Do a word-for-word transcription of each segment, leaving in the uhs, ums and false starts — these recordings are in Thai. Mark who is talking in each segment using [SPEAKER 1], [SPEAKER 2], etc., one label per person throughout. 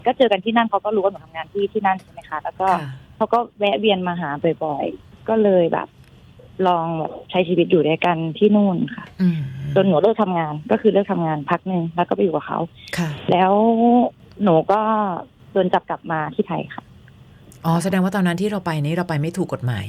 [SPEAKER 1] ก็เจอกันที่นั่นเขาก็รู้ว่าหนูทำงานที่ที่นั่นใช่ไหมคะแล้วก็เขาก็แวะเวียนมาหาบ่อยๆก็เลยแบบลองแบบใช้ชีวิตอยู่ด้วยกันที่นู่นค่ะจนหนูเลิกทำงานก็คือเลิกทำงานพักนึงแล้วก็ไปอยู่กับเขาแล้วหนูก็โดนจับกลับมาที่ไทยค่ะ
[SPEAKER 2] อ๋อแสดงว่าตอนนั้นที่เราไปนี้เราไปไม่ถูกกฎหมาย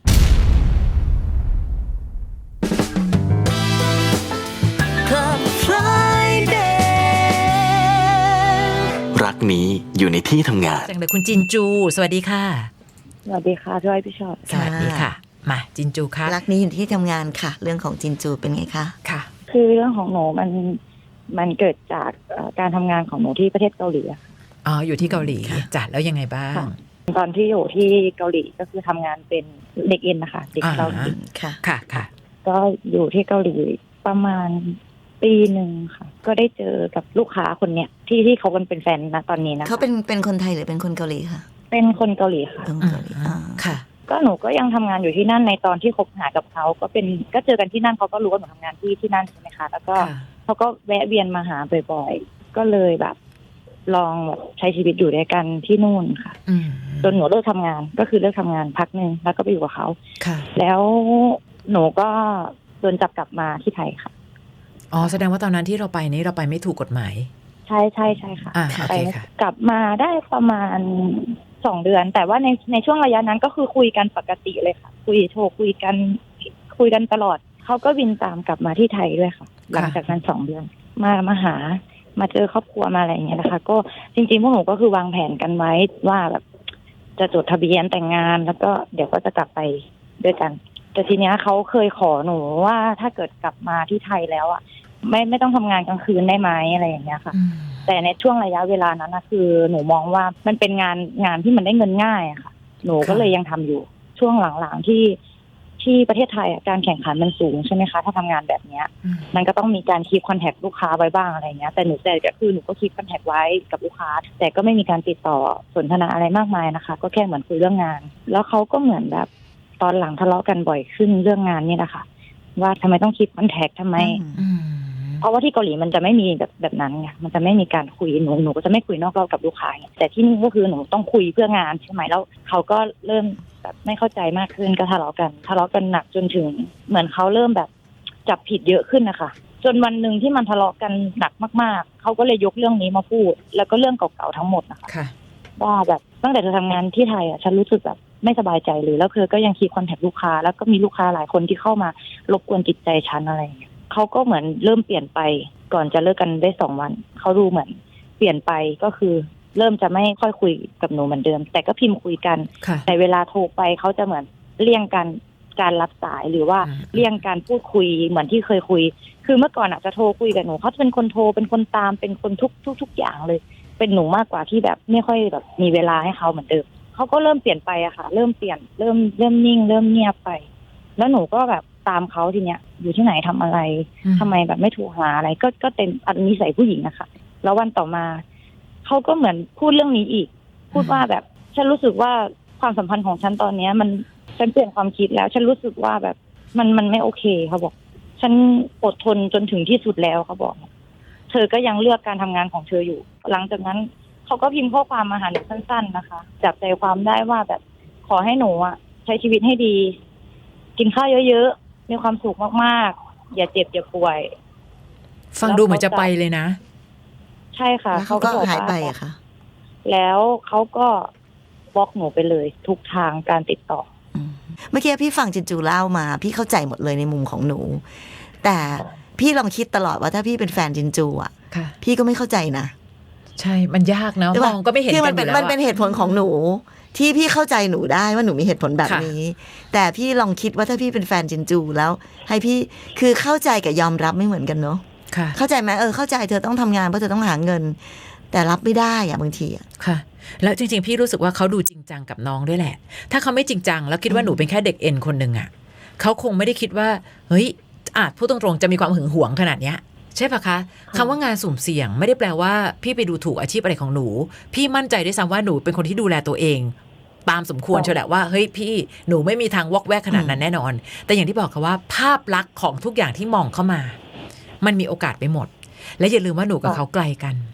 [SPEAKER 3] รักนี้อยู่ในที่ทำงาน
[SPEAKER 2] จังเลยคุณจินจูสวัสดีค่ะ
[SPEAKER 1] สวัสดีค่ะพี่อ้อยพี่ชอต
[SPEAKER 2] สวัสดีค่ะมาจินจูค่ะ
[SPEAKER 4] รักนี้อยู่ที่ทำงานค่ะเรื่องของจินจูเป็นไงคะ
[SPEAKER 2] ค่ะ
[SPEAKER 1] คือเรื่องของหนูมันมันเกิดจากการทำงานของหนูที่ประเทศเกาหลี
[SPEAKER 2] อ๋ออยู่ที่เกาหลีจ้ะแล้วยังไงบ้าง
[SPEAKER 1] ตอนที่อยู่ที่เกาหลีก็คือทำงานเป็นเด็กเอ็นนะคะเด็กเกาหลี
[SPEAKER 4] ค่ะ
[SPEAKER 2] ค่ะค่ะ
[SPEAKER 1] ก็อยู่ที่เกาหลีประมาณปีหนึ่งค่ะก็ได้เจอกับลูกค้าคนเนี้ยที่ที่เขาเป็นแฟนนะตอนนี้นะ
[SPEAKER 4] เขาเป็นเป็นคนไทยหรือเป็นคนเกาหลีคะ
[SPEAKER 1] เป็นคนเกาหลีค่ะ
[SPEAKER 4] คนเกาหลี
[SPEAKER 2] ค่ะ
[SPEAKER 1] ก็หนูก็ยังทำงานอยู่ที่นั่นในตอนที่คบหากับเขาก็เป็นก็เจอกันที่นั่นเขาก็รู้ว่าหนูทำงานที่ที่นั่นใช่ไหมคะแล้วก็เขาก็แวะเวียนมาหาบ่อยๆก็เลยแบบลองแบบใช้ชีวิตอยู่ด้วยกันที่นู่นค่ะจนหนูเลิกทำงานก็คือเลิกทำงานพักนึงแล้วก็ไปอยู่กับเขาแล้วหนูก็โดนจับกลับมาที่ไทยค่ะ
[SPEAKER 2] อ๋อแสดงว่าตอนนั้นที่เราไปนี้เราไปไม่ถูกกฎหมาย
[SPEAKER 1] ใช่ใช่ใช่ค่ะ
[SPEAKER 2] ไป
[SPEAKER 1] กลับมาได้ประมาณสองเดือนแต่ว่าในในช่วงระยะนั้นก็คือคุยกันปกติเลยค่ะคุยโทรคุยกันคุยกันตลอดเขาก็บินตามกลับมาที่ไทยด้วยค่ะหลังจากนั้นสองเดือนมามาหามาเจอครอบครัวมาอะไรอย่างเงี้ยนะคะก็จริงๆพวกหนูก็คือวางแผนกันไว้ว่าแบบจะจดทะเบียนแต่งงานแล้วก็เดี๋ยวก็จะกลับไปด้วยกันแต่ทีเนี้ยเขาเคยขอหนูว่าถ้าเกิดกลับมาที่ไทยแล้วอ่ะไม่ไม่ต้องทำงานกลางคืนได้ไหมอะไรอย่างเงี้ยค่ะแต่ในช่วงระยะเวลานั้นนะคือหนูมองว่ามันเป็นงานงานที่มันได้เงินง่ายอะค่ะหนูก็เลยยังทำอยู่ช่วงหลังๆที่ที่ประเทศไทยการแข่งขันมันสูงใช่ไหมคะถ้าทำงานแบบเนี้ยมันก็ต้องมีการคีปคอนแทคลูกค้าไว้บ้างอะไรเงี้ยแต่หนูแต่ก็คือหนูก็คีปคอนแทคไว้กับลูกค้าแต่ก็ไม่มีการติดต่อสนทนาอะไรมากมายนะคะก็แค่เหมือนคุยเรื่องงานแล้วเขาก็เหมือนแบบตอนหลังทะเลาะกันบ่อยขึ้นเรื่องงานนี่แหละค่ะว่าทำไมต้องคีปคอนแทคทำไมเพราะว่าที่เกาหลีมันจะไม่มีแบบแบบนั้นไงมันจะไม่มีการคุยหนูหนูก็จะไม่คุยนอกรอบกับลูกค้าแต่ที่นี่ก็คือหนูต้องคุยเพื่องานใช่ไหมแล้วเขาก็เริ่มแบบไม่เข้าใจมากขึ้นก็ทะเลาะกันทะเลาะกันหนักจนถึงเหมือนเขาเริ่มแบบจับผิดเยอะขึ้นนะคะจนวันหนึ่งที่มันทะเลาะกันหนักมากๆเขาก็เลยยกเรื่องนี้มาพูดแล้วก็เรื่องเก่าๆทั้งหมดนะคะว่าแบบตั้งแต่เธอทำงานที่ไทยอ่ะฉันรู้สึกแบบไม่สบายใจเลยแล้วเธอก็ยังคีปคอนแทคลูกค้าแล้วก็มีลูกค้าหลายคนที่เข้ามารบกวนจิตใจฉันอะไรอย่างเงี้ยเขาก็เหมือนเริ่มเปลี่ยนไปก่อนจะเลิกกันได้สองวันเขาดูเหมือนเปลี่ยนไปก็คือเริ่มจะไม่ค่อยคุยกับหนูเหมือนเดิมแต่ก็พิมพ์คุยกันแต่เวลาโทรไปเขาจะเหมือนเลี่ยงการการรับสายหรือว่าเลี่ยงการพูดคุยเหมือนที่เคยคุยคือเมื่อก่อนอาจจะโทรคุยกับหนูเขาจะเป็นคนโทรเป็นคนตามเป็นคนทุกทุกทุกอย่างเลยเป็นหนูมากกว่าที่แบบไม่ค่อยแบบมีเวลาให้เขาเหมือนเดิมเขาก็เริ่มเปลี่ยนไปอะค่ะเริ่มเปลี่ยนเริ่มเริ่มนิ่งเริ่มเงียบไปแล้วหนูก็แบบตามเขาทีเนี้ยอยู่ที่ไหนทำอะไรทำไมแบบไม่โทรหาอะไรก็ก็เป็นอันนิสัยผู้หญิงนะคะแล้ววันต่อมาเขาก็เหมือนพูดเรื่องนี้อีกพูดว่าแบบฉันรู้สึกว่าความสัมพันธ์ของฉันตอนเนี้ยมันฉันเปลี่ยนความคิดแล้วฉันรู้สึกว่าแบบมันมันไม่โอเคเขาบอกฉันอดทนจนถึงที่สุดแล้วเขาบอกเธอก็ยังเลือกการทำงานของเธออยู่หลังจากนั้นเขาก็พิมพ์ข้อความมาหาหนูสั้นๆนะคะจับใจความได้ว่าแบบขอให้หนูอะใช้ชีวิตให้ดีกินข้าวเยอะๆมีความสุขมากๆอย่าเจ็บอย่าป่วย
[SPEAKER 2] ฟังดูเหมือนจะไปเลยนะ
[SPEAKER 1] ใช่ค่ะ
[SPEAKER 4] เขาก็หายไปอะค่ะ
[SPEAKER 1] แล้วเขาก็บล็อกหนูไปเลยทุกทางการติดต่อ
[SPEAKER 4] เมื่อกี้พี่ฟังจินจูเล่ามาพี่เข้าใจหมดเลยในมุมของหนูแต่พี่ลองคิดตลอดว่าถ้าพี่เป็นแฟนจินจูอ่ะพี่ก็ไม่เข้าใจนะ
[SPEAKER 2] ใช่มันยากนะมองก็ไม่เห็นกันอยู่แล้ว
[SPEAKER 4] มันเป็นเหตุผลของหนูที่พี่เข้าใจหนูได้ว่าหนูมีเหตุผลแบบนี้แต่พี่ลองคิดว่าถ้าพี่เป็นแฟนจินจูแล้วให้พี่คือเข้าใจกับยอมรับไม่เหมือนกันเนาะเข้าใจไหมเออเข้าใจเธอต้องทำงานเพราะเธอต้องหาเงินแต่รับไม่ได้อะบางทีอะ
[SPEAKER 2] ค่ะแล้วจริงๆพี่รู้สึกว่าเขาดูจริงจังกับน้องด้วยแหละถ้าเขาไม่จริงจังแล้วคิดว่าหนูเป็นแค่เด็กเอ็นคนหนึ่งอะเขาคงไม่ได้คิดว่าเฮ้ยอาจพูดตรงๆจะมีความหึงหวงขนาดเนี้ยใช่ปะคะคำว่างานสุ่มเสี่ยงไม่ได้แปลว่าพี่ไปดูถูกอาชีพอะไรของหนูพี่มั่นใจด้วยซ้ำว่าหนูเป็นคนที่ดูแลตัวเองตามสมควรเชียวแหละว่าเฮ้ยพี่หนูไม่มีทางวอกแวกขนาดนั้นแน่นอนแต่อย่างที่บอกค่ะว่าภาพลักษณ์ของทุกอย่างที่มองเข้ามามันมีโอกาสไปหมดและอย่าลืมว่าหนูกับเขาไกลกัน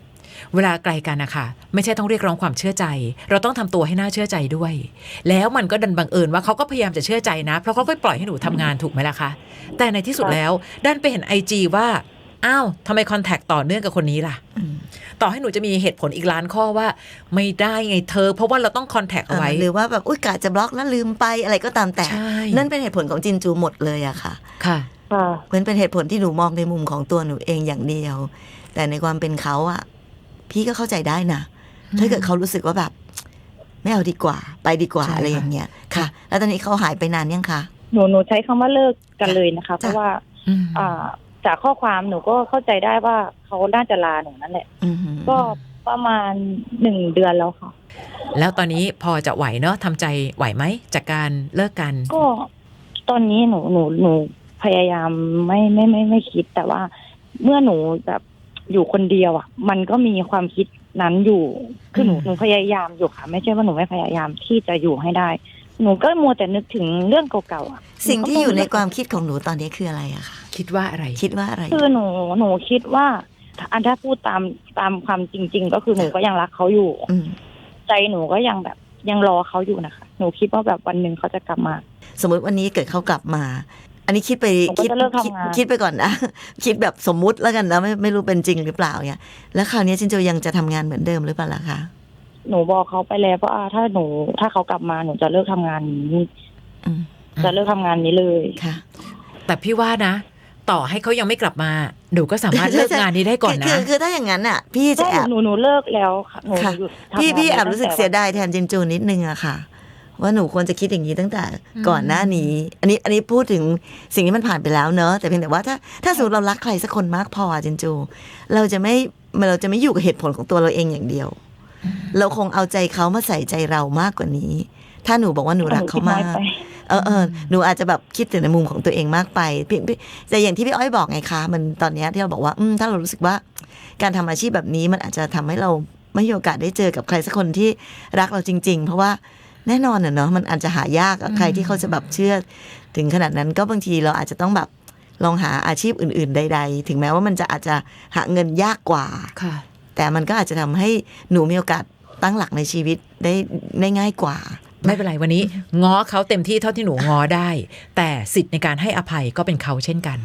[SPEAKER 2] เวลาไกลกันนะคะไม่ใช่ต้องเรียกร้องความเชื่อใจเราต้องทำตัวให้น่าเชื่อใจด้วยแล้วมันก็ดันบังเอิญว่าเขาก็พยายามจะเชื่อใจนะเพราะเขาก็ปล่อยให้หนูทำงานถูกไหมล่ะคะแต่ในที่สุดแล้วดันไปเห็นไอจีว่าอ้าวทำไมคอนแทคต่อเนื่องกับคนนี้ล่ะต่อให้หนูจะมีเหตุผลอีกล้านข้อว่าไม่ได้ไงเธอเพราะว่าเราต้องคอนแทคเอาไว้
[SPEAKER 4] หรือว่าแบบอุ้ยกะจะบล็อกแล้วลืมไปอะไรก็ตามแต่นั่นเป็นเหตุผลของจินจูหมดเลยอะค่ะ
[SPEAKER 2] ค่ะ
[SPEAKER 4] มันเป็นเหตุผลที่หนูมองในมุมของตัวหนูเองอย่างเดียวแต่ในความเป็นเขาอะพี่ก็เข้าใจได้นะถ้าเกิดเขารู้สึกว่าแบบไม่เอาดีกว่าไปดีกว่าอะไรอย่างเงี้ยค่ะแล้วตอนนี้เขาหายไปนานยังคะ
[SPEAKER 1] หนูหนูใช้คำว่าเลิกกันเลยนะคะเพราะว่าอ่าจากข้อความหนูก็เข้าใจได้ว่าเขาน่าจะลาหนูนั่นแหละก็ประมาณหนึ่งเดือนแล้วค่ะ
[SPEAKER 2] แล้วตอนนี้พอจะไหวเนาะทำใจไหวไหมจากการเลิกกัน
[SPEAKER 1] ก็ตอนนี้หนูหนูหนูพยายามไม่ไม่ไม่ไม่คิดแต่ว่าเมื่อหนูแบบอยู่คนเดียวอ่ะมันก็มีความคิดนั้นอยู่คือหนูหนูพยายามอยู่ค่ะไม่ใช่ว่าหนูไม่พยายามที่จะอยู่ให้ได้หนูก็มัวแต่นึกถึงเรื่องเก่าๆอ่ะ
[SPEAKER 4] สิ่งที่อยู่ในความคิดของหนูตอนนี้คืออะไรอะคะ
[SPEAKER 2] คิดว่าอะไร
[SPEAKER 4] คิดว่าอะไร
[SPEAKER 1] คือหนูหนูคิดว่าอันถ้าพูดตามตามความจริงๆก็คือหนูก็ยังรักเขาอยู่ใจหนูก็ยังแบบยังรอเขาอยู่นะคะหนูคิดว่าแบบวันหนึ่งเขาจะกลับมา
[SPEAKER 4] สมมติวันนี้เกิดเขากลับมาอันนี้คิดไปคิดคิดไปก่อนนะคิดแบบสมมุติแล้วกันนะไม่ไม่รู้เป็นจริงหรือเปล่าเนี่ยแล้วคราวนี้จินโจยังจะทำงานเหมือนเดิมหรือเปล่าล่ะคะ
[SPEAKER 1] หนูบอกเขาไปแล้วว่าถ้าหนูถ้าเขากลับมาหนูจะเลิกทำงานนี้จะเลิกทำงานนี้เลย
[SPEAKER 4] ค่ะ
[SPEAKER 2] แต่พี่ว่านะต่อให้เขายังไม่กลับมาหนูก็สามารถเลิกงานนี้ได้ก่อนนะ
[SPEAKER 4] คือคือถ้าอย่างนั้นอ่ะพี่จะแอบ
[SPEAKER 1] หนูหนูเลิกแล้วค่ะหนูหยุดทำงาน
[SPEAKER 4] พี่พี่แอบรู้สึกเสียดายแทนจินโจนิดนึงอะค่ะว่าหนูควรจะคิดอย่างนี้ตั้งแต่ก่อนหน้านี้อันนี้อันนี้พูดถึงสิ่งที่มันผ่านไปแล้วเนอะแต่เพียงแต่ว่าถ้าถ้าสมมติเรารักใครสักคนมากพอจินจูเราจะไม่เราจะไม่อยู่กับเหตุผลของตัวเราเองอย่างเดียวเราคงเอาใจเขามาใส่ใจเรามากกว่านี้ถ้าหนูบอกว่าหนูรักเขามากเออเออหนูอาจจะแบบคิดถึงในมุมของตัวเองมากไปแต่อย่างที่พี่อ้อยบอกไงคะมันตอนนี้ที่เราบอกว่าอืมถ้าเรารู้สึกว่าการทำอาชีพแบบนี้มันอาจจะทำให้เราไม่มีโอกาสได้เจอกับใครสักคนที่รักเราจริงๆเพราะว่าแน่นอนเนาะมันอาจจะหายากใครที่เขาจะแบบเชื่อถึงขนาดนั้นก็บางทีเราอาจจะต้องแบบลองหาอาชีพอื่นๆใดๆถึงแม้ว่ามันจะอาจจะหาเงินยากกว่าแต่มันก็อาจจะทำให้หนูมีโอกาสตั้งหลักในชีวิตได้ได้ง่ายกว่า
[SPEAKER 2] ไม่เป็นไรวันนี้ง้อเขาเต็มที่เท่าที่หนูง้อได้แต่สิทธิ์ในการให้อภัยก็เป็นเขาเช่นกัน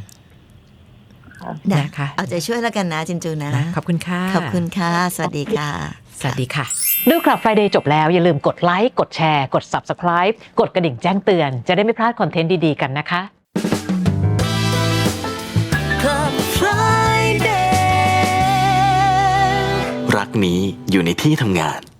[SPEAKER 2] นะคะ
[SPEAKER 4] เอาใจช่วยแล้วกันนะจินจูนะ
[SPEAKER 2] ขอบคุณค่ะ
[SPEAKER 4] ขอบคุณค่ะสวัสดีค่ะ
[SPEAKER 2] สวัสดีค่ะดูคลับ Friday จบแล้วอย่าลืมกดไลค์กดแชร์กด Subscribe กดกระดิ่งแจ้งเตือนจะได้ไม่พลาดคอนเทนต์ดีๆกันนะคะ
[SPEAKER 3] Club Friday รักนี้อยู่ในที่ทำงาน